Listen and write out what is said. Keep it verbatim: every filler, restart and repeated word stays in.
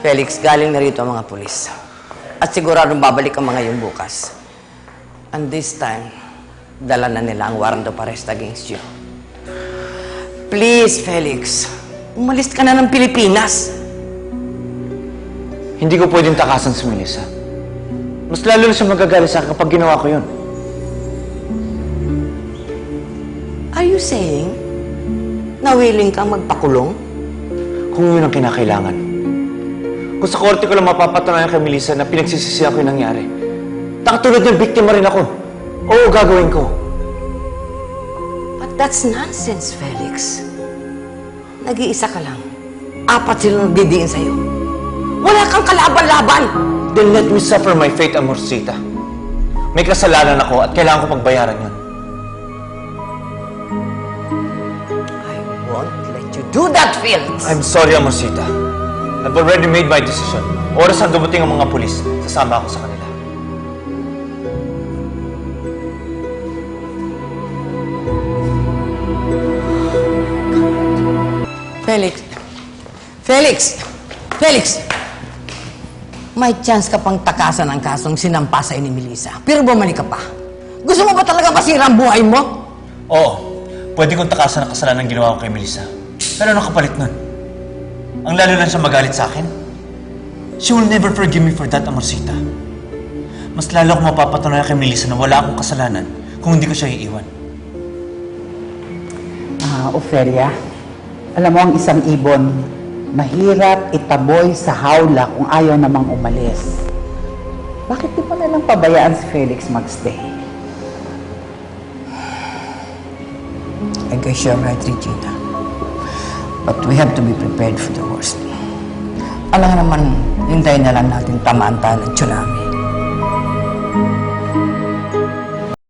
Felix, galing na rito ang mga pulis. At siguradong babalik ang mga yun bukas. And this time, dala na nila ang warrant of arrest against you. Please, Felix, umalis ka na ng Pilipinas. Hindi ko pwedeng takasan si Melissa. Mas lalo na siya magagalit sa akin kapag ginawa ko yun. Are you saying na willing kang magpakulong? Kung yun ang kinakailangan. Kung sa korte ko lang mapapatunayan kay Melissa na pinagsisisihan ko yung nangyari, nakatulad ng biktima rin ako. Oo, gagawin ko. But that's nonsense, Felix. Nag-iisa ka lang. Apat sila nagdidiin sa'yo. Wala kang kalaban-laban! Then let me suffer my fate, Amorcita. May kasalanan ako at kailangan ko pagbayaran yun. I won't let you do that, Felix! I'm sorry, Amorcita. I've already made my decision. Oras ang dumating ang mga pulis. Sasama ako sa kanila. Felix! Felix! Felix! May chance ka pang takasan ang kasong sinampa sa'yo ni Melissa. Pero bumalik ka pa. Gusto mo ba talaga masira ang buhay mo? Oo. Pwede kong takasan ang kasalanan ng ginawa ko kay Melissa. Pero ano kapalit nun? Ang lalo lang siya magalit sa akin. She will never forgive me for that, Amorcita. Mas lalo akong mapapatunayan kay Melissa na wala akong kasalanan kung hindi ko siya iiwan. Ah, Ofelia, alam mo ang isang ibon, mahirap itaboy sa hawla kung ayaw namang umalis. Bakit di pa nalang pabayaan si Felix magstay? I guess you're right, Regina. But we have to be prepared for the worst. Alam naman, hintayin na lang natin tamaan tayo ng tsunami.